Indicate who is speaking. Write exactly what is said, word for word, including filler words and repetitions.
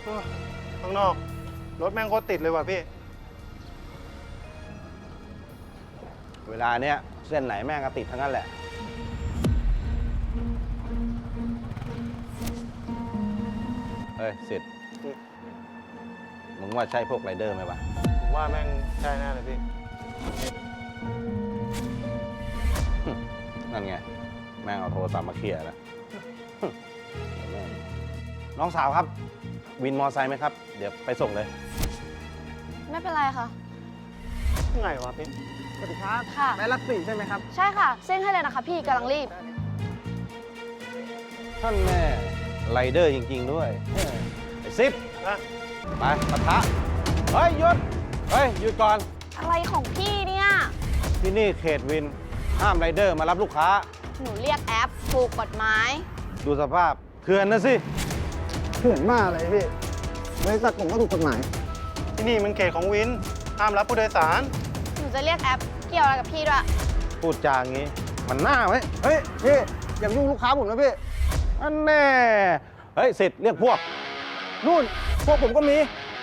Speaker 1: ข้างนอกรถแม่งโคตรติดเลยว่ะพี่
Speaker 2: เวลาเนี้ยเส้นไหนแม่งก็ติดทั้งนั้นแหละเฮ้ยสิทธิ์มึงว่าใช่พวกไรเดอร์ไหมวะ
Speaker 1: ผมว่าแม่งใช่แน่เลยพี่
Speaker 2: นั่นไงแม่งเอาโทรศัพท์มาเคลียร์แล้วน้องสาวครับวินมอไซค์ไหมครับเดี๋ยวไปส่งเลย
Speaker 3: ไม่เป็นไรค่ะ
Speaker 1: ไงวะพี่
Speaker 4: สวัสดีครับ
Speaker 3: ค่ะ
Speaker 4: แม่รักสี่ใช่ไหมครับ
Speaker 3: ใช่ค่ะเส้นให้เลยนะคะพี่กำลังรีบ
Speaker 2: ท่านแม่ไรเดอร์จริงๆด้วยไอ้ซิป
Speaker 1: นะ
Speaker 2: ไปปะทะเฮ้ยหยุดเฮ้ยหยุดก่อน
Speaker 3: อะไรของพี่เนี่ย
Speaker 2: ที่นี่เขตวินห้ามไรเดอร์มารับลูกค้า
Speaker 3: หนูเรียกแอปถูกกฎหมาย
Speaker 2: ดูสภาพเถื่อนนะสิ
Speaker 4: เถื่อนมากเลยพี่บริษัทผมก็ถูกกฎหมาย
Speaker 1: ที่นี่มันเขตของวินห้ามรับผู้โดยสาร
Speaker 3: หนูจะเรียกแอปเกี่ยวอะไรกับพี่ด้วย
Speaker 2: พูดจางี้มันหน้าไหม
Speaker 4: เฮ้ยพี่อย่ายุ่งลูกค้าผมนะพี่
Speaker 2: อันแน่เฮ้ยสิทธิ์เรียกพวก
Speaker 4: นู่นพวกผมก็มี